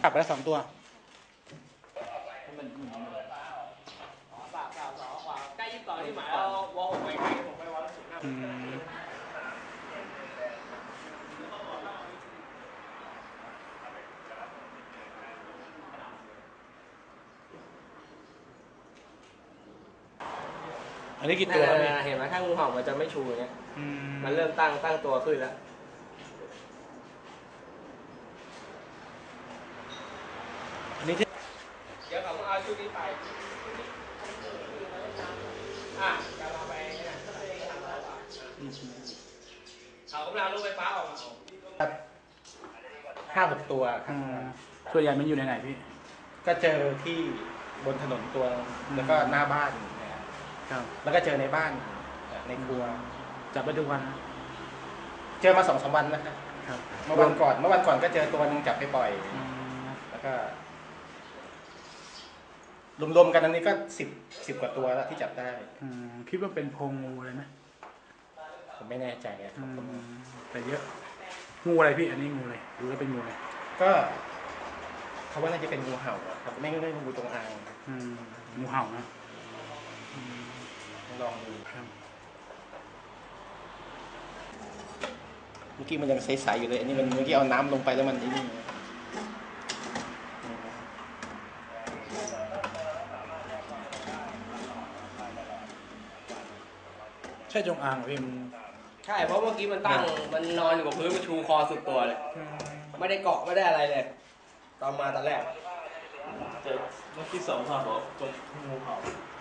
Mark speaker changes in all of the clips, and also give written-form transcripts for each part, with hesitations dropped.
Speaker 1: กลับไปแล้ว2 ตัว
Speaker 2: ใกล้22ที่หมายเราวอล6ไปไกลผมไปวอล15
Speaker 1: อันนี้กี่ตัวครับพี่
Speaker 2: เห็นไหมถ้างูเห่ามันจะไม่ชูอย่างเงี้ยมันเริ่มตั้งตัวขึ้นแล้ว
Speaker 1: อันนี้ที่
Speaker 2: เดี๋ยวเขาเอาชุดนี้ไปจะเอาไปเนี่ยเขากำลังรถไฟฟ้าออกมา
Speaker 1: 5-6 ตัวส่วนใหญ่มันอยู่ในไหนพี่ก็เจอที่บนถนนตัวแล้วก็หน้าบ้านนะครับแล้วก็เจอในบ้านในครัวจับไปทุกวันเจอมา2-3 วันนะครับเมื่อวันก่อนก็เจอตัวนึงจับไปปล่อยแล้วก็รวมๆกันอันนี้ก็10 กว่าตัวแล้วที่จับได้คิดว่าเป็นโพรงงูเลยไหมผมไม่แน่ใจแต่เยอะงูอะไรพี่อันนี้งูเลยดูแล้วเป็นงูเลยก็เขาว่าน่าจะเป็นงูเห่าครับไม่งูจงอางงูเห่านะลองดูครับเมื่อกี้มันยังใสๆอยู่เลยอันนี้มันเมื่อกี้เอาน้ำลงไปแล้วมันนี่ใช่จงอางเหรอพี่
Speaker 2: ใช่เพราะเมื่อกี้มันมันนอนอยู่กับพื้นมันชูคอสุดตัวเลยไม่ได้เกาะไม่ได้อะไรเลยตอนแรก
Speaker 3: เจอเมื่อกี้2 ข่าวบอกจงงูเห่า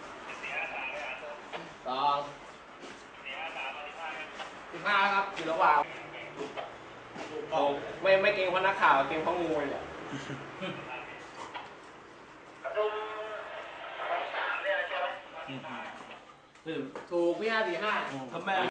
Speaker 2: 15ครับอยู่ระหว่างไม่เก่งเพราะนักข่าวเก่งเพราะงูเลยถูกพี่545